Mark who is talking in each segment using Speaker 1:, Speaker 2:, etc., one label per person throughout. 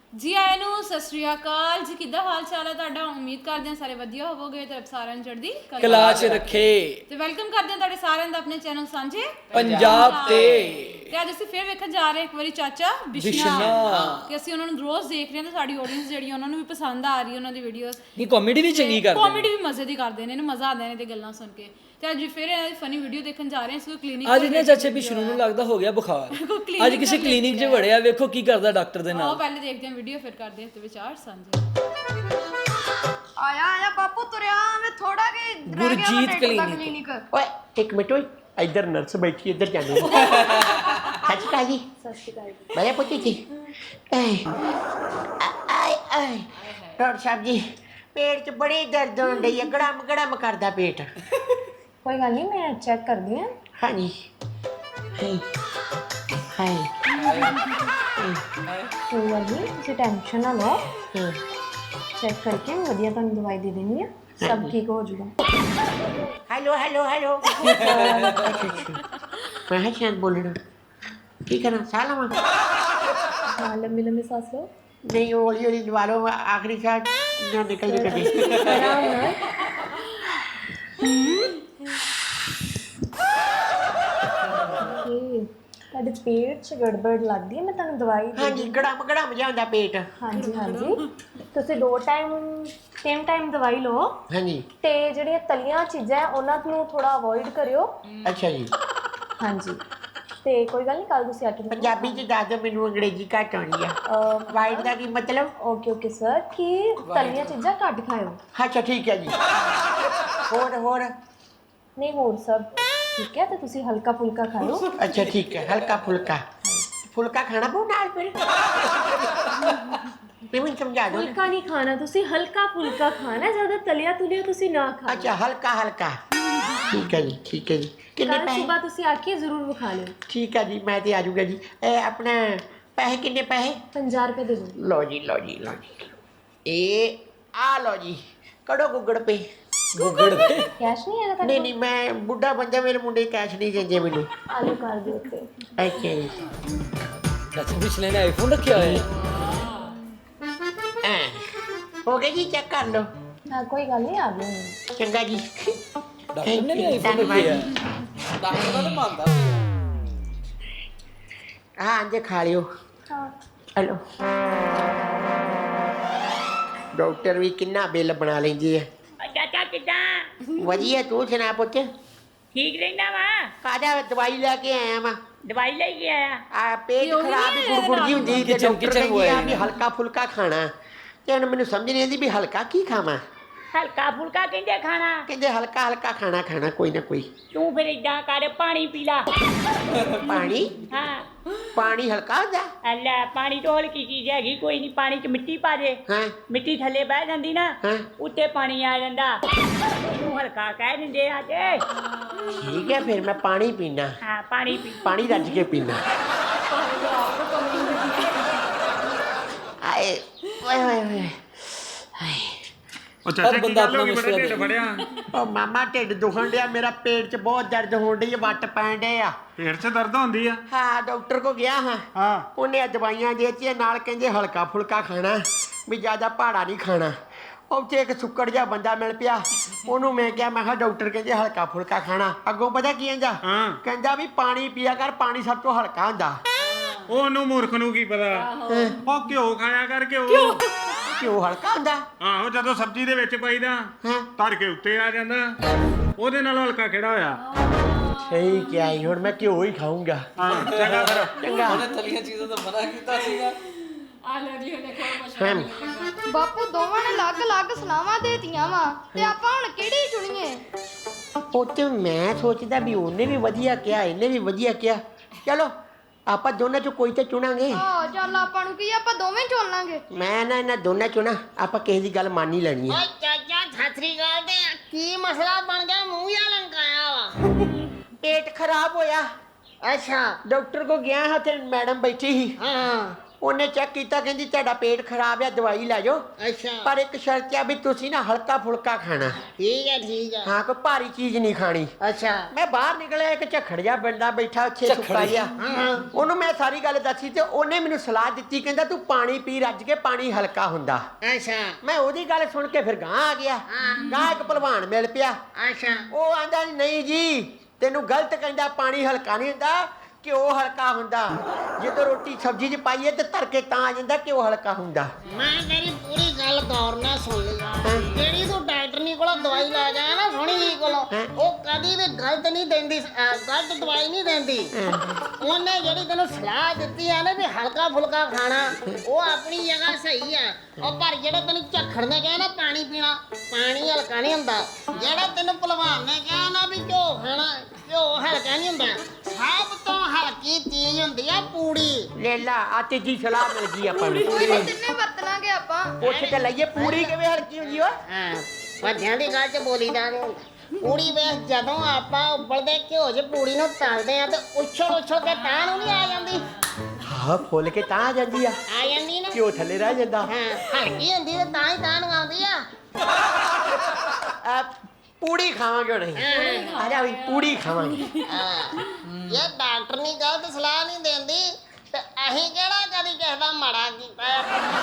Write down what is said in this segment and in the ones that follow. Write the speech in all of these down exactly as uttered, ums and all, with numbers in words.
Speaker 1: ਜੀ ਆਇਆਂ ਨੂੰ ਸਤਿ ਸ਼੍ਰੀ ਅਕਾਲ ਜੀ। ਕਿੱਦਾਂ ਹਾਲ ਚਾਲ ਹੈ ਤੁਹਾਡਾ? ਉਮੀਦ ਕਰਦੇ ਹਾਂ ਸਾਰੇ ਵਧੀਆ ਹੋਵੋਗੇ ਤੇ ਰੱਬ ਸਾਰਿਆਂ ਨੂੰ ਚੜ੍ਹਦੀ
Speaker 2: ਕਲਾ 'ਚ ਰੱਖੇ।
Speaker 1: ਤੇ ਵੈਲਕਮ ਕਰਦੇ ਹਾਂ ਤੁਹਾਡੇ ਸਾਰਿਆਂ ਦਾ ਆਪਣੇ ਚੈਨਲ ਸਾਂਝੇ
Speaker 2: ਪੰਜਾਬ ਤੇ।
Speaker 1: ਤੇ ਅੱਜ ਅਸੀਂ ਫਿਰ ਵੇਖਣ ਜਾ ਰਹੇ ਇੱਕ ਵਾਰੀ ਚਾਚਾ ਬਿਸ਼ਨਾ ਕਿ ਅਸੀਂ ਉਹਨਾਂ ਨੂੰ ਰੋਜ਼ ਦੇਖ ਰਹੇ ਹਾਂ ਤੇ ਸਾਡੀ ਆਡੀਅנס ਜਿਹੜੀ ਉਹਨਾਂ ਨੂੰ ਵੀ ਪਸੰਦ ਆ ਰਹੀ ਹੈ ਉਹਨਾਂ ਦੀ ਵੀਡੀਓਜ਼।
Speaker 2: ਇਹ ਕਾਮੇਡੀ ਵੀ ਚੰਗੀ ਕਰਦੇ ਨੇ,
Speaker 1: ਕਾਮੇਡੀ ਵੀ ਮਜ਼ੇ ਦੀ ਕਰਦੇ ਨੇ, ਇਹਨੂੰ ਮਜ਼ਾ ਆਉਂਦਾ ਨੇ ਤੇ ਗੱਲਾਂ ਸੁਣ ਕੇ। ਤੇ ਅੱਜ ਫਿਰ ਇਹਨਾਂ ਦੀ ਫਨੀ ਵੀਡੀਓ ਦੇਖਣ ਜਾ ਰਹੇ ਹਾਂ। ਇਸ ਕਲੀਨਿਕ
Speaker 2: ਅੱਜ ਨੇ ਚਾਚੇ ਬਿਸ਼ਨੂ ਨੂੰ ਲੱਗਦਾ ਹੋ ਗਿਆ ਬੁਖਾਰ। ਅੱਜ ਕਿਸੇ ਕਲੀਨਿਕ 'ਚ ਵੜਿਆ, ਵੇਖੋ ਕੀ ਕਰਦਾ ਡਾਕਟਰ ਦੇ ਨਾਲ।
Speaker 1: ਆਓ ਪਹਿਲੇ ਦੇਖਦੇ ਹਾਂ ਵੀਡੀਓ, ਫਿਰ ਕਰਦੇ ਹਾਂ ਤੇ ਵਿਚਾਰ ਸਾਂਝੇ।
Speaker 3: ਆਇਆ ਆਇਆ ਬਾਪੂ ਤੁਰਿਆ ਮੈਂ ਥੋੜਾ ਕਿ
Speaker 2: ਗੁਰਜੀਤ ਕਲੀਨਿਕ।
Speaker 4: ਓਏ ਇੱਕ ਮਿੰਟ ਓਏ, ਇੱਧਰ ਨਰਸ ਬੈਠੀ, ਇੱਧਰ ਜਾਂਦੇ ਸੱਚ ਕਾ ਜੀ।
Speaker 3: ਸਤਿ ਸ਼੍ਰੀ ਅਕਾਲ ਜੀ।
Speaker 4: ਮੈਂ ਪੁੱਛੀ ਸੀ ਆਏ ਆਏ ਡਾਕਟਰ ਸਾਹਿਬ ਜੀ, ਪੇਟ 'ਚ ਬੜੀ ਦਰਦ ਹੋਣ ਡਈ ਹੈ, ਗੜਮ ਗੜਮ ਕਰਦਾ ਪੇਟ।
Speaker 3: ਕੋਈ ਗੱਲ ਨਹੀਂ, ਮੈਂ ਚੈੱਕ ਕਰਦੀ ਹਾਂ।
Speaker 4: ਹਾਂਜੀ ਹਾਏ ਹਾਏ
Speaker 3: ਕੋਈ ਗੱਲ ਨਹੀਂ, ਤੁਸੀਂ ਟੈਨਸ਼ਨ ਨਾ ਲਓ।
Speaker 4: ਹਾਂ
Speaker 3: ਚੈੱਕ ਕਰਕੇ ਮੈਂ ਵਧੀਆ ਤੁਹਾਨੂੰ ਦਵਾਈ ਦੇ ਦੇਣੀ ਆ, ਸਭ ਠੀਕ ਹੋ ਜਾਊਗਾ।
Speaker 4: ਹੈਲੋ ਹੈਲੋ ਹੈਲੋ ਮੈਂ ਹਾਂ ਸ਼ਾਇਦ ਬੋਲਣਾ ਕੀ ਕਰਾਂ, ਸਾਹ ਲਵਾਂ?
Speaker 3: ਹਾਂ, ਲੰਮੀ ਲੰਮੀ ਸਾਹ ਲਓ।
Speaker 4: ਨਹੀਂ ਹੌਲੀ ਹੌਲੀ ਲਵਾ ਲਓ, ਆਖਰੀ ਸਾਹ ਨਾ ਨਿਕਲ ਜੇ ਕਦੇ।
Speaker 3: ਆਰਾਮ ਨਾਲ। ਓਕੇ, ਤੁਹਾਡੇ ਪੇਟ 'ਚ ਗੜਬੜ ਲੱਗਦੀ ਹੈ, ਮੈਂ ਤੁਹਾਨੂੰ ਦਵਾਈ ਦੇ
Speaker 4: ਹਾਂਜੀ ਗੜਮ ਗੜਮ ਜਾਂਦਾ ਪੇਟ।
Speaker 3: ਹਾਂਜੀ ਹਾਂਜੀ, ਤੁਸੀਂ ਦੋ ਟਾਈਮ ਤਿੰਨ ਟਾਈਮ ਦਵਾਈ ਲਓ
Speaker 4: ਹਾਂਜੀ
Speaker 3: ਤੇ ਜਿਹੜੀਆਂ ਤਲੀਆਂ ਚੀਜ਼ਾਂ ਹੈ ਉਹਨਾਂ ਨੂੰ ਥੋੜਾ ਅਵੋਇਡ ਕਰਿਓ।
Speaker 4: ਅੱਛਾ ਜੀ।
Speaker 3: ਹਾਂਜੀ, ਤੇ ਕੋਈ ਗੱਲ ਨਹੀਂ, ਕੱਲ ਤੁਸੀਂ ਆ ਕੇ
Speaker 4: ਪੰਜਾਬੀ ਚ ਦੱਸ ਦਿਓ, ਮੈਨੂੰ ਅੰਗਰੇਜ਼ੀ ਘੱਟ ਆਉਣੀ ਆ। ਵਾਈਟ ਦਾ ਕੀ ਮਤਲਬ?
Speaker 3: ਓਕੇ ਓਕੇ ਸਰ, ਕਿ ਤਲੀਆਂ ਚੀਜ਼ਾਂ ਘੱਟ ਖਾਇਓ।
Speaker 4: ਅੱਛਾ ਠੀਕ ਹੈ ਜੀ। ਹੋਰ ਹੋਰ?
Speaker 3: ਨਹੀਂ ਹੋਰ ਸਭ ਠੀਕ ਹੈ, ਤੇ ਤੁਸੀਂ ਹਲਕਾ ਫੁਲਕਾ ਖਾਓ।
Speaker 4: ਅੱਛਾ ਠੀਕ ਹੈ, ਹਲਕਾ ਫੁਲਕਾ। ਫੁਲਕਾ ਖਾਣਾ ਪਊ ਨਾਲ ਫਿਰ? ਨਹੀਂ ਮੈਨੂੰ ਸਮਝਾ ਦਿਓ।
Speaker 3: ਫੁਲਕਾ ਨਹੀਂ ਖਾਣਾ, ਤੁਸੀਂ ਹਲਕਾ ਫੁਲਕਾ ਖਾਣਾ, ਜ਼ਿਆਦਾ ਤਲਿਆ ਤੁਲਿਆ ਤੁਸੀਂ ਨਾ ਖਾਓ।
Speaker 4: ਅੱਛਾ ਹਲਕਾ ਹਲਕਾ, ਠੀਕ ਹੈ ਜੀ ਠੀਕ ਹੈ ਜੀ। ਕਿੰਨੇ
Speaker 3: ਕੱਲ
Speaker 4: ਪੈਸੇ?
Speaker 3: ਸਵੇਰ ਤੁਸੀਂ ਆ ਕੇ ਜ਼ਰੂਰ ਵਿਖਾ ਲਿਓ।
Speaker 4: ਠੀਕ ਹੈ ਜੀ, ਮੈਂ ਤੇ ਆ ਜਾਊਗਾ ਜੀ। ਇਹ ਆਪਣਾ ਪੈਸੇ ਕਿੰਨੇ ਪੈਸੇ?
Speaker 3: ਪੰਜਾਹ ਰੁਪਏ ਦੇ ਦਿਓ।
Speaker 4: ਲਓ ਜੀ ਲਓ ਜੀ ਲਓ ਜੀ, ਇਹ ਆ ਲਓ ਜੀ, ਕਢੋ ਗੁੱਗੜ ਪੇ।
Speaker 2: ਗੁੱਗੜ ਤੇ
Speaker 3: ਕੈਸ਼ ਨਹੀਂ ਹੈਗਾ
Speaker 4: ਨਹੀਂ
Speaker 3: ਤੁਹਾਡੇ
Speaker 4: ਨਹੀਂ, ਮੈਂ ਬੁੱਢਾ ਬੰਦਾ, ਮੇਰੇ ਮੁੰਡੇ ਕੈਸ਼ ਨਹੀਂ ਦਿੰਦੇ ਮੈਨੂੰ।
Speaker 3: ਕੋਲ? ਆਲੂ ਕਰ ਦਿਓ ਉੱਤੇ।
Speaker 4: ਅੱਛਾ ਜੀ।
Speaker 2: ਚਾਚੇ ਬਿਸ਼ਨੇ ਨੇ ਆਈਫੋਨ ਰੱਖਿਆ ਹੋਇਆ ਹੈ।
Speaker 4: ਐਂ ਹੋ ਗਿਆ ਜੀ, ਚੈੱਕ ਕਰ ਲਓ।
Speaker 3: ਹਾਂ ਕੋਈ ਗੱਲ ਨਹੀਂ, ਆ ਗਏ।
Speaker 4: ਚੰਗਾ ਜੀ।
Speaker 2: ਡਾਕਟਰ ਨੇ ਵੀ ਆਈਫੋਨ ਰੱਖਿਆ ਹੈ। ਡਾਕਟਰ ਦਾ ਤਾਂ ਮੰਨਦਾ
Speaker 4: ਹਾਂ ਜੇ ਖਾ ਲਿਓ।
Speaker 3: ਹਾਂ
Speaker 4: ਹਲੋ, ਡਾਕਟਰ ਵੀ ਕਿੰਨਾ ਬਿੱਲ ਬਣਾ ਲੈਂਦੀ ਹੈ।
Speaker 5: ਚਾਚਾ ਕਿੱਦਾਂ?
Speaker 4: ਵਧੀਆ, ਤੂੰ ਸੁਣਾ ਪੁੱਤ?
Speaker 5: ਠੀਕ ਰਹਿੰਦਾ ਵਾ?
Speaker 4: ਕਾਹਦਾ ਦਵਾਈ ਲੈ ਕੇ ਆਇਆ ਵਾ?
Speaker 5: ਦਵਾਈ ਲੈ ਕੇ ਆਇਆ?
Speaker 4: ਆ ਪੇਟ ਖਰਾਬ ਹੀ ਗੁਰਗੁਰ ਜੀ ਹੁੰਦੀ ਤੇ
Speaker 2: ਕਿਚਨ-
Speaker 4: ਡਾਕਟਰ
Speaker 2: ਕਿਚਨ
Speaker 4: ਕਹਿੰਦੀ ਆ
Speaker 2: ਹੋਇਆ
Speaker 4: ਵੀ ਹਲਕਾ ਫੁਲਕਾ ਖਾਣਾ। ਤੇ ਹੁਣ ਮੈਨੂੰ ਸਮਝ ਨਹੀਂ ਆਉਂਦੀ ਵੀ ਹਲਕਾ ਕੀ ਖਾਵਾਂ।
Speaker 5: ਹਲਕਾ ਫੁਲਕਾ ਕਹਿੰਦੇ ਖਾਣਾ?
Speaker 4: ਕਹਿੰਦੇ ਹਲਕਾ ਹਲਕਾ ਖਾਣਾ ਖਾਣਾ ਕੋਈ ਨਾ ਕੋਈ।
Speaker 5: ਤੂੰ ਫਿਰ ਏਦਾਂ ਕਰ, ਪਾਣੀ ਪੀ ਲਾ।
Speaker 4: ਪਾਣੀ?
Speaker 5: ਹਾਂ
Speaker 4: ਪਾਣੀ ਹਲਕਾ ਹੁੰਦਾ?
Speaker 5: ਲੈ, ਪਾਣੀ ਤੋਂ ਹਲਕੀ ਚੀਜ਼ ਹੈਗੀ ਕੋਈ ਨਹੀਂ। ਪਾਣੀ 'ਚ ਮਿੱਟੀ ਪਾ ਦੇ,
Speaker 4: ਹਾਂ
Speaker 5: ਮਿੱਟੀ ਥੱਲੇ ਬਹਿ ਜਾਂਦੀ ਨਾ,
Speaker 4: ਹਾਂ
Speaker 5: ਉੱਤੇ ਪਾਣੀ ਆ ਜਾਂਦਾ। ਤੂੰ ਹਲਕਾ ਕਹਿ ਦਿੰਦੇ ਆ ਤੇ।
Speaker 4: ਠੀਕ ਹੈ, ਫਿਰ ਮੈਂ ਪਾਣੀ ਪੀਣਾ।
Speaker 5: ਹਾਂ ਪਾਣੀ ਪੀ।
Speaker 4: ਪਾਣੀ ਰੱਜ ਕੇ ਪੀਣਾ। ਆਏ ਓਏ ਓਏ ਓਏ ਹਾਏ।
Speaker 6: ਉਹ ਚਾਚਾ
Speaker 2: ਹਰ
Speaker 6: ਕੀ
Speaker 2: ਬੰਦਾ
Speaker 6: ਗੱਲ ਹੋ ਗਈ,
Speaker 2: ਆਪਣਾ
Speaker 6: ਬੜਾ ਢਿੱਡ
Speaker 2: ਮਸਲਾ
Speaker 6: ਫੜਿਆ।
Speaker 4: ਉਹ ਮਾਮਾ ਢਿੱਡ ਦੁਖਣ ਡਿਆ ਮੇਰਾ, ਪੇਟ 'ਚ ਬਹੁਤ ਦਰਦ ਹੋਣ ਡਈ, ਵੱਟ ਪੈਣ ਡੇ ਆ।
Speaker 6: ਪੇਟ 'ਚ ਦਰਦ ਹੁੰਦੀ ਆ?
Speaker 4: ਹਾਂ ਡਾਕਟਰ ਕੋ ਗਿਆ ਹਾਂ।
Speaker 6: ਹਾਂ
Speaker 4: ਉਹਨੇ ਦਵਾਈਆਂ ਦੇਤੀਆਂ, ਨਾਲ ਕਹਿੰਦੇ ਹਲਕਾ ਫੁਲਕਾ ਖਾਣਾ, ਵੀ ਜ਼ਿਆਦਾ ਭਾੜਾ ਨਹੀਂ ਖਾਣਾ। ਉੱਥੇ ਇੱਕ ਸੁੱਕੜ ਜਿਹਾ ਬੰਦਾ ਮਿਲ ਪਿਆ, ਉਹਨੂੰ ਮੈਂ ਕਿਹਾ, ਮੈਂ ਕਿਹਾ ਡਾਕਟਰ ਕਹਿੰਦੇ ਹਲਕਾ ਫੁਲਕਾ ਖਾਣਾ। ਅੱਗੋਂ ਪਤਾ ਕੀ ਕਹਿੰਦਾ?
Speaker 6: ਹਾਂ।
Speaker 4: ਕਹਿੰਦਾ ਵੀ ਪਾਣੀ ਪੀਆ ਕਰ, ਪਾਣੀ ਸਭ ਤੋਂ ਹਲਕਾ ਹੁੰਦਾ।
Speaker 6: ਉਹਨੂੰ ਮੂਰਖ ਨੂੰ ਕੀ ਪਤਾ। ਉਹ ਘਿਓ ਖਾਇਆ ਕਰ, ਘਿਓ।
Speaker 4: ਘਿਓ ਹਲਕਾ ਹੁੰਦਾ?
Speaker 6: ਆਹੋ, ਜਦੋਂ ਸਬਜ਼ੀ ਦੇ ਵਿੱਚ ਪਾਈਦਾ
Speaker 4: ਹਾਂ
Speaker 6: ਧਰ ਕੇ ਉੱਤੇ ਆ ਜਾਂਦਾ, ਉਹਦੇ ਨਾਲ ਹਲਕਾ ਕਿਹੜਾ ਹੋਇਆ?
Speaker 4: ਸਹੀ ਕਿਹਾ ਜੀ, ਹੁਣ ਮੈਂ ਘਿਓ ਹੀ ਖਾਊਂਗਾ।
Speaker 6: ਹਾਂ ਚੰਗਾ ਫਿਰ।
Speaker 4: ਚੰਗਾ।
Speaker 2: ਉਹਨੇ ਤਲੀਆਂ ਚੀਜ਼ਾਂ ਤੋਂ ਮਨਾ ਕੀਤਾ ਸੀਗਾ।
Speaker 1: ਆ ਲਓ ਜੀ, ਦੇਖੋ
Speaker 4: ਹਮ,
Speaker 7: ਬਾਪੂ ਦੋਵਾਂ ਨੇ ਅਲੱਗ-ਅਲੱਗ ਸਲਾਹਾਂ ਦੇਤੀਆਂ ਵਾ ਤੇ ਆਪਾਂ ਹੁਣ ਕਿਹੜੀ ਚੁਣੀਏ?
Speaker 4: ਉਹ ਤੇ ਮੈਂ ਸੋਚਦਾ ਵੀ ਉਹਨੇ ਵੀ ਵਧੀਆ ਕਿਹਾ, ਇਹਨੇ ਵੀ ਵਧੀਆ ਕਿਹਾ, ਚਲੋ ਆਪਾਂ ਦੋਨਾਂ ਚੋਂ ਕੋਈ ਤੇ ਚੁਣਾਂਗੇ।
Speaker 7: ਆਹ ਚੱਲ ਆਪਾਂ ਨੂੰ ਕੀ, ਆਪਾਂ ਦੋਵੇਂ ਚੁਣ ਲਾਂਗੇ।
Speaker 4: ਮੈਂ ਨਾ ਇਹਨਾਂ ਦੋਨਾਂ ਚੋਂ ਨਾ ਆਪਾਂ ਕਿਸੇ ਦੀ ਗੱਲ ਮੰਨ ਹੀ ਲੈਣੀ ਹੈ।
Speaker 8: ਓਏ ਚਾਚਾ ਸਤਿ ਸ੍ਰੀ ਅਕਾਲ। ਤੇ ਕੀ ਮਸਲਾ ਬਣ ਗਿਆ, ਮੂੰਹ ਜਿਹਾ ਲੰਕਾਇਆ ਵਾ?
Speaker 4: ਪੇਟ ਖਰਾਬ ਹੋਇਆ।
Speaker 8: ਅੱਛਾ।
Speaker 4: ਡਾਕਟਰ ਕੋ ਗਿਆ ਹਾਂ ਤੇ ਮੈਡਮ ਬੈਠੀ ਸੀ।
Speaker 8: ਹਾਂ
Speaker 4: ਉਹਨੇ ਚੈੱਕ ਕੀਤਾ ਕਹਿੰਦੀ ਤੁਹਾਡਾ ਪੇਟ ਖਰਾਬ ਆ ਦਵਾਈ ਲੈ ਜਾਓ
Speaker 8: ਅੱਛਾ
Speaker 4: ਪਰ ਇੱਕ ਸ਼ਰਤ ਆ ਵੀ ਤੁਸੀਂ ਨਾ ਹਲਕਾ ਫੁਲਕਾ ਖਾਣਾ
Speaker 8: ਠੀਕ ਹੈ ਠੀਕ ਹੈ
Speaker 4: ਹਾਂ ਕੋਈ ਭਾਰੀ ਚੀਜ਼ ਨਹੀਂ ਖਾਣੀ
Speaker 8: ਅੱਛਾ
Speaker 4: ਮੈਂ ਬਾਹਰ ਨਿਕਲਿਆ ਇੱਕ ਝੱਖੜ ਜਿਹਾ ਬੰਦਾ ਬੈਠਾ ਉੱਥੇ ਸੁੱਕਾ ਜਿਹਾ ਉਹਨੂੰ ਮੈਂ ਸਾਰੀ ਗੱਲ ਦੱਸੀ ਤੇ ਉਹਨੇ ਮੈਨੂੰ ਸਲਾਹ ਦਿੱਤੀ ਕਹਿੰਦਾ ਤੂੰ ਪਾਣੀ ਪੀ ਰੱਜ ਕੇ ਪਾਣੀ ਹਲਕਾ ਹੁੰਦਾ
Speaker 8: ਅੱਛਾ
Speaker 4: ਮੈਂ ਉਹਦੀ ਗੱਲ ਸੁਣ ਕੇ ਫਿਰ ਗਾਂ ਆ ਗਿਆ ਗਾਂ ਇੱਕ ਭਲਵਾਨ ਮਿਲ ਪਿਆ
Speaker 8: ਅੱਛਾ
Speaker 4: ਉਹ ਆਂਦਾ ਨਹੀਂ ਜੀ ਤੈਨੂੰ ਗਲਤ ਕਹਿੰਦਾ ਪਾਣੀ ਹਲਕਾ ਨਹੀਂ ਹੁੰਦਾ ਘਿਓ ਹਲਕਾ ਹੁੰਦਾ ਜਦੋਂ ਰੋਟੀ ਸਬਜ਼ੀ 'ਚ ਪਾਈਏ ਤੇ ਤੜਕੇ ਤਾਂ ਆ ਜਾਂਦਾ ਘਿਓ ਹਲਕਾ ਹੁੰਦਾ
Speaker 8: ਮੈਂ ਤੇਰੀ ਪੂਰੀ ਗੱਲ ਗੌਰ ਨਾਲ ਸੁਣ ਲਈ ਜਿਹੜੀ ਤੂੰ ਡਾਕਟਰਨੀ ਕੋਲੋਂ ਦਵਾਈ ਲੈ ਗਿਆ ਨਾ ਸੋਹਣੀ ਜੀ ਕੋਲੋਂ ਉਹ ਕਦੀ ਵੀ ਗਲਤ ਨਹੀਂ ਦਿੰਦੀ ਅਹ ਗਲਤ ਦਵਾਈ ਨਹੀਂ ਦਿੰਦੀ ਉਹਨੇ ਜਿਹੜੀ ਤੈਨੂੰ ਸਲਾਹ ਦਿੱਤੀ ਆ ਨਾ ਵੀ ਹਲਕਾ ਫੁਲਕਾ ਖਾਣਾ ਉਹ ਆਪਣੀ ਜਗ੍ਹਾ ਸਹੀ ਆ ਉਹ ਪਰ ਜਿਹੜਾ ਤੈਨੂੰ ਝੱਖੜ ਨੇ ਕਿਹਾ ਨਾ ਪਾਣੀ ਪੀਣਾ ਪਾਣੀ ਹਲਕਾ ਨਹੀਂ ਹੁੰਦਾ ਜਿਹੜਾ ਤੈਨੂੰ ਭਲਵਾਨ ਨੇ ਕਿਹਾ ਨਾ ਵੀ ਘਿਓ ਖਾਣਾ ਘਿਓ ਹਲਕਾ ਨਹੀਂ ਹੁੰਦਾ ਸਭ ਤੋਂ ਹਲਕੀ ਚੀਜ਼ ਹੁੰਦੀ ਆ ਪੂੜੀ
Speaker 4: ਲੈ ਲਾ ਆ ਤੀਜੀ ਸਲਾਹ ਮਿਲ ਗਈ ਆਪਾਂ ਨੂੰ
Speaker 7: ਕੋਈ ਨਹੀਂ ਤਿੰਨੇ ਵਰਤਣਾਗੇ ਆਪਾਂ
Speaker 4: ਪੁੱਛ ਕੇ ਲਈਏ ਪੂਰੀ ਕਿਵੇਂ ਹਲਕੀ ਹੁੰਦੀ ਓ
Speaker 8: ਹਾਂ ਵੱਡਿਆਂ ਦੀ ਗੱਲ 'ਚ ਬੋਲੀ ਦਾ ਨਹੀਂ ਪੂੜੀ ਵੇਖ ਜਦੋਂ ਆਪਾਂ ਉਬਲਦੇ ਘਿਓ 'ਚ ਪੂੜੀ ਨੂੰ ਤਲਦੇ ਆ ਤੇ ਉਛਲ ਉਛਲ ਕੇ ਤਾਂ ਨੂੰ ਨਹੀਂ ਆ ਜਾਂਦੀ
Speaker 4: ਹਾਂ ਫੁੱਲ ਕੇ ਤਾਂ ਆ ਜਾਂਦੀ ਆ
Speaker 8: ਆ ਜਾਂਦੀ ਨਾ
Speaker 4: ਘਿਓ ਥੱਲੇ ਰਹਿ ਜਾਂਦਾ
Speaker 8: ਹਾਂ ਹਲਕੀ ਹੁੰਦੀ ਤੇ ਤਾਂ ਹੀ ਤਾਂ ਨੂੰ ਆਉਂਦੀ ਆ
Speaker 4: ਆ ਪੂੜੀ ਖਾਵਾਂਗੇ ਹੁਣ ਅਸੀਂ ਆ ਜਾ ਵੀ ਪੂੜੀ ਖਾਵਾਂਗੇ
Speaker 8: ਹਾਂ ਇਹ ਡਾਕਟਰ ਨਹੀਂ ਗਲਤ ਸਲਾਹ ਨਹੀਂ ਦਿੰਦੀ ਤੇ ਅਸੀਂ ਕਿਹੜਾ ਕਦੀ ਕਿਸੇ ਦਾ ਮਾੜਾ ਕੀਤਾ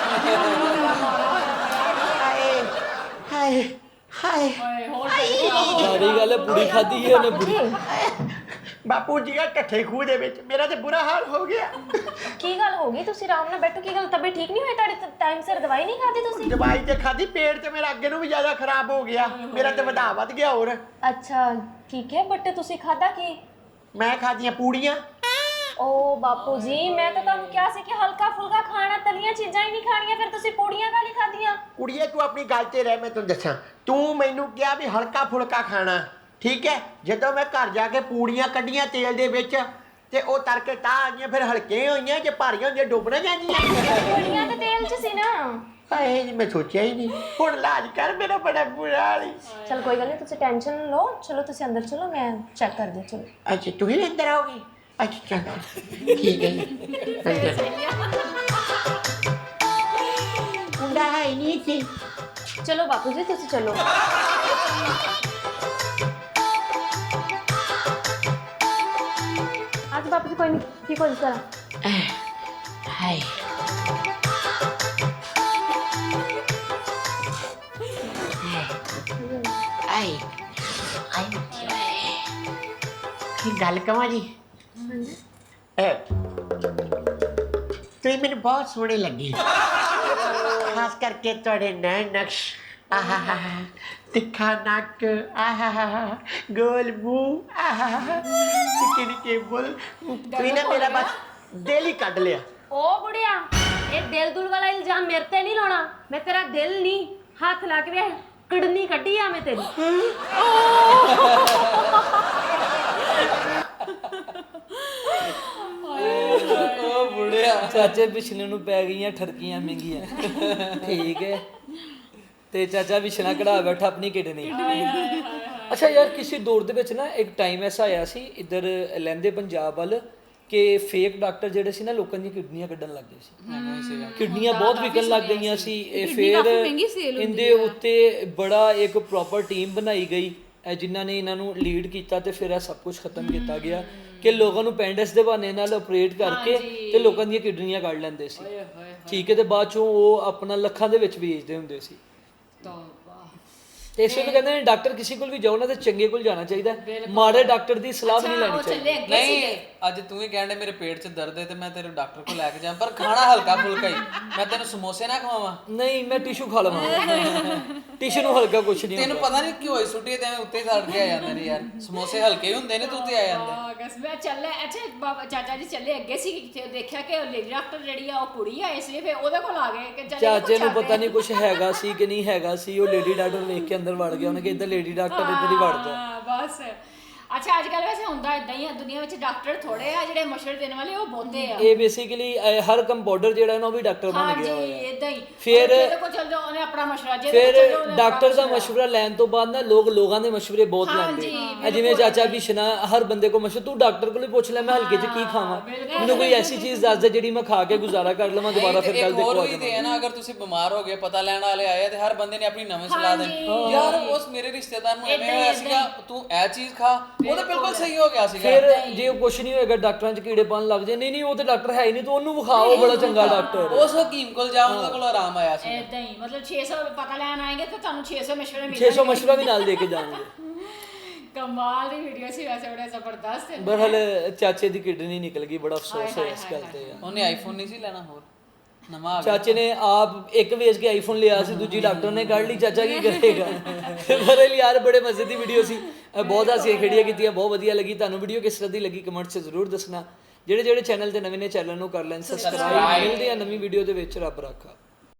Speaker 4: ਹਾਏ ਹਾਏ ਹਾਏ
Speaker 2: ਸਾਰੀ ਗੱਲ ਹੈ ਪੂਰੀ ਖਾਧੀ ਹੈ ਉਹਨੇ ਬੁਰੀ
Speaker 4: ਬਾਪੂ ਜੀ ਦਾ ਢੱਠੇ ਖੂਹ ਦੇ ਵਿੱਚ ਮੇਰਾ ਤੇ ਬੁਰਾ ਹਾਲ ਹੋ ਗਿਆ
Speaker 3: ਕੀ ਗੱਲ ਹੋ ਗਈ ਤੁਸੀਂ ਆਰਾਮ ਨਾਲ ਬੈਠੋ ਕੀ ਗੱਲ ਤਬੀਅਤ ਠੀਕ ਨਹੀਂ ਹੋਈ ਤੁਹਾਡੀ ਟਾਈਮ ਸਿਰ ਦਵਾਈ ਨਹੀਂ ਖਾਧੀ ਤੁਸੀਂ
Speaker 4: ਦਵਾਈ ਤੇ ਖਾਧੀ ਪੇਟ ਤੇ ਮੇਰਾ ਅੱਗੇ ਨੂੰ ਵੀ ਜ਼ਿਆਦਾ ਖਰਾਬ ਹੋ ਗਿਆ ਮੇਰਾ ਤੇ ਵਧਾ ਵੱਧ ਗਿਆ ਹੋਰ
Speaker 3: ਅੱਛਾ ਠੀਕ ਹੈ ਬਟ ਤੁਸੀਂ ਖਾਧਾ ਕੀ
Speaker 4: ਮੈਂ ਖਾਧੀਆਂ ਪੂੜੀਆਂ
Speaker 3: ਓ ਬਾਪੂ ਜੀ ਮੈਂ ਤਾਂ ਤੁਹਾਨੂੰ ਕਿਹਾ ਸੀ ਕਿ ਹਲਕਾ ਫੁਲਕਾ ਖਾਣਾ ਤਲੀਆਂ ਚੀਜ਼ਾਂ ਹੀ ਨਹੀਂ ਖਾਣੀਆਂ ਫਿਰ ਤੁਸੀਂ ਪੂੜੀਆਂ ਕਾਹਲੀ ਖਾਧੀਆਂ
Speaker 4: ਕੁੜੀਏ ਤੂੰ ਆਪਣੀ ਗੱਲ ਤੇ ਰਹਿ ਮੈਂ ਤੈਨੂੰ ਦੱਸਾਂ ਤੂੰ ਮੈਨੂੰ ਕਿਹਾ ਵੀ ਹਲਕਾ ਫੁਲਕਾ ਖਾਣਾ ਠੀਕ ਹੈ ਜਦੋਂ ਮੈਂ ਘਰ ਜਾ ਕੇ ਪੂੜੀਆਂ ਕੱਢੀਆਂ ਤੇਲ ਦੇ ਵਿੱਚ ਤੇ ਉਹ ਤੜਕੇ ਤਾਂ ਆ ਗਈਆਂ ਫਿਰ ਹਲਕੇ ਹੋਈਆਂ ਜੇ ਭਾਰੀਆਂ ਹੁੰਦੀਆਂ ਡੁੱਬ ਨਾ ਜਾਂਦੀਆਂ
Speaker 3: ਪੂੜੀਆਂ ਤਾਂ ਤੇਲ 'ਚ ਸੀ ਨਾ
Speaker 4: ਹਾਏ ਜੀ ਮੈਂ ਸੋਚਿਆ ਹੀ ਨਹੀਂ ਹੁਣ ਇਲਾਜ ਕਰ ਮੇਰਾ ਬੜਾ ਬੁਰਾ ਹਾਲ ਈ
Speaker 3: ਚਲ ਕੋਈ ਗੱਲ ਨਹੀਂ ਤੁਸੀਂ ਟੈਨਸ਼ਨ ਨਾ ਲਓ ਚਲੋ ਤੁਸੀਂ ਅੰਦਰ ਚਲੋ ਮੈਂ ਚੈੱਕ ਕਰਦੀ ਚਲੋ
Speaker 4: ਅੱਛਾ ਤੂੰ ਹੀ ਅੰਦਰ ਆਓਗੀ ਅੱਛਾ ਚੱਲ ਠੀਕ ਹੈ ਜੀ ਅੰਦਰ ਮੁੰਡਾ ਹੈ ਨਹੀਂ ਸੀ
Speaker 3: ਚਲੋ ਬਾਪੂ ਜੀ ਤੁਸੀਂ ਚਲੋ ਅੱਜ ਬਾਪੂ ਜੀ ਕੋਈ ਨਹੀਂ ਠੀਕ ਹੋ ਜਾਣਾ
Speaker 4: ਹਾਏ ਆਈ ਆਈ ਕੀ ਗੱਲ ਕਵਾਂ ਜੀ ਐ ਤੁਸੀਂ ਮੈਨੂੰ ਬਹੁਤ ਸੋਹਣੇ ਲੱਗੇ ਖਾਸ ਕਰਕੇ ਤੁਹਾਡੇ ਨੈਣ ਨਕਸ਼ ਆਹਾ ਤਿੱਖਾ ਨੱਕ ਆਹਾ ਗੋਲ ਮੂੰਹ ਆਹਾ ਨਿੱਕੇ ਨਿੱਕੇ ਬੁੱਲ ਤੁਸੀਂ ਨਾ ਮੇਰਾ ਬਸ ਦਿਲ ਹੀ ਕੱਢ ਲਿਆ
Speaker 3: ਓ ਬੁੜਿਆ ਇਹ ਦਿਲ ਦੁਲ ਵਾਲਾ ਇਲਜ਼ਾਮ ਮੇਰੇ ਤੇ ਨਹੀਂ ਲਾਉਣਾ ਮੈਂ ਤੇਰਾ ਦਿਲ ਨਹੀਂ ਹੱਥ ਲਾ ਕੇ ਵੇਖ ਕੜਨੀ ਕੱਢੀ ਆ ਮੈਂ ਤੇਰੀ
Speaker 2: ਉਹ ਬੁੜਿਆ ਚਾਚੇ ਪਿਛਲੇ ਨੂੰ ਪੈ ਗਈਆਂ ਠਰਕੀਆਂ ਮਹਿੰਗੀਆਂ ਠੀਕ ਹੈ ਤੇ ਚਾਚਾ ਵਿਛਣਾ ਕਢਾ ਬੈਠਾ ਆਪਣੀ ਕਿਡਨੀ ਅੱਛਾ ਯਾਰ ਕਿਸੇ ਦੌਰ ਦੇ ਵਿੱਚ ਨਾ ਇੱਕ ਟਾਈਮ ਐਸਾ ਆਇਆ ਸੀ ਇੱਧਰ ਲਹਿੰਦੇ ਪੰਜਾਬ ਵੱਲ ਕਿ ਫੇਕ ਡਾਕਟਰ ਜਿਹੜੇ ਸੀ ਨਾ ਲੋਕਾਂ ਦੀਆਂ ਕਿਡਨੀਆਂ ਕੱਢਣ ਲੱਗ ਗਏ ਸੀ ਕਿਡਨੀਆਂ ਬਹੁਤ ਵਿਕਣ ਲੱਗ ਗਈਆਂ ਸੀ ਇਹ ਫੇਰ ਇਹਦੇ ਉੱਤੇ ਬੜਾ ਇੱਕ ਪ੍ਰੋਪਰ ਟੀਮ ਬਣਾਈ ਗਈ ਜਿਨ੍ਹਾਂ ਨੇ ਇਹਨਾਂ ਨੂੰ ਲੀਡ ਕੀਤਾ ਤੇ ਫਿਰ ਇਹ ਸਭ ਕੁਝ ਖਤਮ ਕੀਤਾ ਗਿਆ ਕਿ ਲੋਕਾਂ ਨੂੰ ਪੈਂਡਸ ਦੇ ਬਹਾਨੇ ਨਾਲ ਆਪਰੇਟ ਕਰਕੇ ਤੇ ਲੋਕਾਂ ਦੀਆਂ ਕਿਡਨੀਆਂ ਕੱਢ ਲੈਂਦੇ ਸੀ ਠੀਕ ਹੈ ਤੇ ਬਾਅਦ ਚੋਂ ਉਹ ਆਪਣਾ ਲੱਖਾਂ ਦੇ ਵਿੱਚ ਵੇਚਦੇ ਹੁੰਦੇ ਸੀ ਤੇ ਇਸ ਵੇਲੇ ਕਹਿੰਦੇ ਨੇ ਡਾਕਟਰ ਕਿਸੇ ਕੋਲ ਵੀ ਜਾਓ ਨਾ ਤੇ ਚੰਗੇ ਕੋਲ ਜਾਣਾ ਚਾਹੀਦਾ ਮਾੜੇ ਡਾਕਟਰ ਦੀ ਸਲਾਹ ਨਹੀਂ ਲੈਣੀ ਚਾਹੀਦੀ
Speaker 9: ਨਹੀਂ ਅੱਜ ਤੂੰ ਹੀ ਕਹਿੰਦੇ ਮੇਰੇ ਪੇਟ 'ਚ ਦਰਦ ਹੈ ਤੇ ਮੈਂ ਤੇਰੇ ਡਾਕਟਰ ਕੋਲ ਲੈ ਕੇ ਜਾਵਾਂ ਪਰ ਖਾਣਾ ਹਲਕਾ ਫੁਲਕਾ ਹੀ ਮੈਂ ਤੈਨੂੰ ਸਮੋਸੇ ਨਾ ਖਵਾਵਾਂ
Speaker 2: ਨਹੀਂ ਮੈਂ ਟਿਸ਼ੂ ਖਾ ਲਵਾਂ ਟਿਸ਼ੂ ਨੂੰ ਹਲਕਾ ਕੁਛ ਨਹੀਂ
Speaker 9: ਤੈਨੂੰ ਪਤਾ ਨਹੀਂ ਕਿਉਂ ਹੋਈ ਸੁੱਟੀ ਤੇ ਐਵੇਂ ਉੱਤੇ ਸੜ ਕੇ ਆ ਜਾਂਦੇ ਨੇ ਯਾਰ ਸਮੋਸੇ ਹਲਕੇ ਹੁੰਦੇ ਨੇ ਤੂੰ ਤੇ ਆ ਜਾਂਦੇ
Speaker 1: ਅਗਸ ਮੈਂ ਚੱਲੇ ਅੱਛਾ ਬਾਬਾ ਚਾਚਾ ਜੀ ਚੱਲੇ ਅੱਗੇ ਸੀ ਕਿਤੇ ਦੇਖਿਆ ਕਿ ਉਹ ਲੇਡੀ ਡਾਕਟਰ ਜਿਹੜੀ ਆ ਉਹ ਕੁੜੀ ਆ ਇਸ ਲਈ ਫਿਰ ਉਹਦੇ ਕੋਲ ਆ ਗਏ ਕਿ ਚੱਲ
Speaker 2: ਚਾਚੇ ਨੂੰ ਪਤਾ ਨਹੀਂ ਕੁਝ ਹੈਗਾ ਸੀ ਕਿ ਨਹੀਂ ਹੈਗਾ ਸੀ ਉਹ ਲੇਡੀ ਡਾਕਟਰ ਵੇਖ ਕੇ ਅੰਦਰ ਵੜ ਗਿਆ ਉਹਨੇ ਕਿ ਇੱਧਰ ਲੇਡੀ ਡਾਕਟਰ ਇੱਧਰ ਹੀ ਵੜ ਜਾ
Speaker 1: ਬਸ
Speaker 5: ਅੱਛਾ ਅੱਜ ਕੱਲ ਵੈਸੇ ਹੁੰਦਾ ਇਦਾਂ ਹੀ ਆ ਦੁਨੀਆ ਵਿੱਚ ਡਾਕਟਰ ਥੋੜੇ ਆ ਜਿਹੜੇ ਮਸ਼ਵਰੇ ਦੇਣ ਵਾਲੇ ਉਹ ਬਹੁਤੇ ਆ
Speaker 2: ਇਹ ਬੇਸਿਕਲੀ ਹਰ ਕੰਪਾਊਂਡਰ ਜਿਹੜਾ ਨਾ ਉਹ ਵੀ ਡਾਕਟਰ ਬਣ ਗਿਆ
Speaker 5: ਹਾਂਜੀ
Speaker 2: ਹੋਇਆ
Speaker 5: ਇਦਾਂ ਹੀ
Speaker 2: ਫਿਰ
Speaker 5: ਜਿਹਦੇ ਕੋਲ ਚੱਲ ਜਾਓ ਉਹਨੇ ਆਪਣਾ ਮਸ਼ਵਰਾ ਜਿਹਦੇ
Speaker 2: ਫਿਰ
Speaker 5: ਕੋਲ ਚੱਲ ਜਾਓ ਉਹਨੇ
Speaker 2: ਡਾਕਟਰ ਦਾ ਮਸ਼ਵਰਾ ਲੈਣ ਤੋਂ ਬਾਅਦ ਨਾ ਲੋਕ ਲੋਕਾਂ ਦੇ ਮਸ਼ਵਰੇ ਬਹੁਤ ਲੈਂਦੇ ਆ ਜਿਵੇਂ ਚਾਚਾ ਬਿਸ਼ਨਾ ਹਰ ਬੰਦੇ ਕੋ ਮਸ਼ਵਰਾ ਤੂੰ ਡਾਕਟਰ ਕੋਲ ਹੀ ਪੁੱਛ ਲੈ ਮੈਂ ਹਲਕੇ 'ਚ ਕੀ ਖਾਵਾਂ ਮੈਨੂੰ ਕੋਈ ਐਸੀ ਚੀਜ਼ ਦੱਸ ਦੇ ਜਿਹੜੀ ਮੈਂ ਖਾ ਕੇ ਗੁਜ਼ਾਰਾ ਕਰ ਲਵਾਂ ਦੁਬਾਰਾ ਫਿਰ ਕੱਲ
Speaker 9: ਇੱਕ ਹੋਰ ਵੀ ਤੇ ਹੈ ਨਾ ਅਗਰ ਤੁਸੀਂ ਬਿਮਾਰ ਹੋ ਗਏ ਪਤਾ ਲੈਣ ਵਾਲੇ ਆਏ ਤੇ ਹਰ ਬੰਦੇ ਨੇ ਆਪਣੀ ਨਵੀਂ ਸਲਾਹ ਦੇਣੀ ਯਾਰ ਉਸ ਮੇਰੇ ਰਿਸ਼ਤੇਦਾਰ ਨੂੰ ਐਵੇਂ ਹੋਇਆ ਸੀਗਾ ਤੂੰ ਇਹ ਚੀਜ਼ ਖਾ ਉਹ ਤਾਂ ਬਿਲਕੁਲ ਸਹੀ ਹੋ ਗਿਆ ਸੀਗਾ
Speaker 2: ਫਿਰ ਜੇ ਉਹ ਕੁਛ ਨਹੀਂ ਹੋਏਗਾ ਡਾਕਟਰਾਂ 'ਚ ਕੀੜੇ ਪਾਣ ਲੱਗ ਜੇ ਨਹੀਂ ਨਹੀਂ ਉਹ ਤੇ ਡਾਕਟਰ ਹੈ ਹੀ ਨਹੀਂ ਤੂੰ ਉਹਨੂੰ ਵਿਖਾਓ ਬੜਾ ਚੰਗਾ ਡਾਕਟਰ
Speaker 9: ਉਸ ਹਕੀਮ ਕੋਲ ਜਾਓ ਉਹਦੇ ਕੋਲ ਆਰਾਮ ਆਇਆ ਸੀ
Speaker 5: ਇਦਾਂ ਹੀ ਮਤਲਬ ਛੇ ਸੌ ਪਤਾ ਲੈਣ ਆਏਗੇ ਤਾਂ ਤੁਹਾਨੂੰ ਛੇ ਸੌ ਮਸ਼ਵਰੇ ਮਿਲਣਗੇ
Speaker 2: ਛੇ ਸੌ ਮਸ਼ਵਰਾ ਵੀ ਨਾਲ ਦੇ ਕੇ ਜਾਣਗੇ
Speaker 5: ਕਮਾਲ ਦੀ ਵੀਡੀਓ ਸੀ ਵੈਸੇ ਬੜਾ ਜ਼ਬਰਦਸਤ ਹੈ
Speaker 2: ਬਰਹਲ ਚਾਚੇ ਦੀ ਕਿਡਨੀ ਨਿਕਲ ਗਈ ਬੜਾ ਅਫਸੋਸ ਹੈ ਇਸ ਗੱਲ ਤੇ
Speaker 9: ਉਹਨੇ ਆਈਫੋਨ ਨਹੀਂ ਸੀ ਲੈਣਾ ਹੋਰ ਨਵਾਂ ਆ ਗਿਆ
Speaker 2: ਚਾਚੇ ਨੇ ਆਪ ਇੱਕ ਵੇਚ ਕੇ ਆਈਫੋਨ ਲਿਆ ਸੀ ਦੂਜੀ ਡਾਕਟਰ ਨੇ ਕੱਢ ਲਈ ਚਾਚਾ ਕੀ ਕਰੇਗਾ ਬਰਹਲ ਯਾਰ ਬੜੇ ਮਜ਼ੇ ਦੀ ਵੀਡੀਓ ਸੀ ਬਹੁਤ ਹਾਸੀਆਂ ਖੇੜੀਆਂ ਕੀਤੀਆਂ ਬਹੁਤ ਵਧੀਆ ਲੱਗੀ ਤੁਹਾਨੂੰ ਵੀਡੀਓ ਕਿਸ ਤਰ੍ਹਾਂ ਦੀ ਲੱਗੀ ਕਮੈਂਟ 'ਚ ਜ਼ਰੂਰ ਦੱਸਣਾ ਜਿਹੜੇ ਜਿਹੜੇ ਚੈਨਲ ਤੇ ਨਵੇਂ ਨੇ ਚੈਨਲ ਨੂੰ ਕਰ ਲੈਣ ਸਬਸਕ੍ਰਾਈਬ ਮਿਲਦੇ ਆ ਨਵੀਂ ਵੀਡੀਓ ਦੇ ਵਿੱਚ ਰੱਬ ਰਾਖਾ।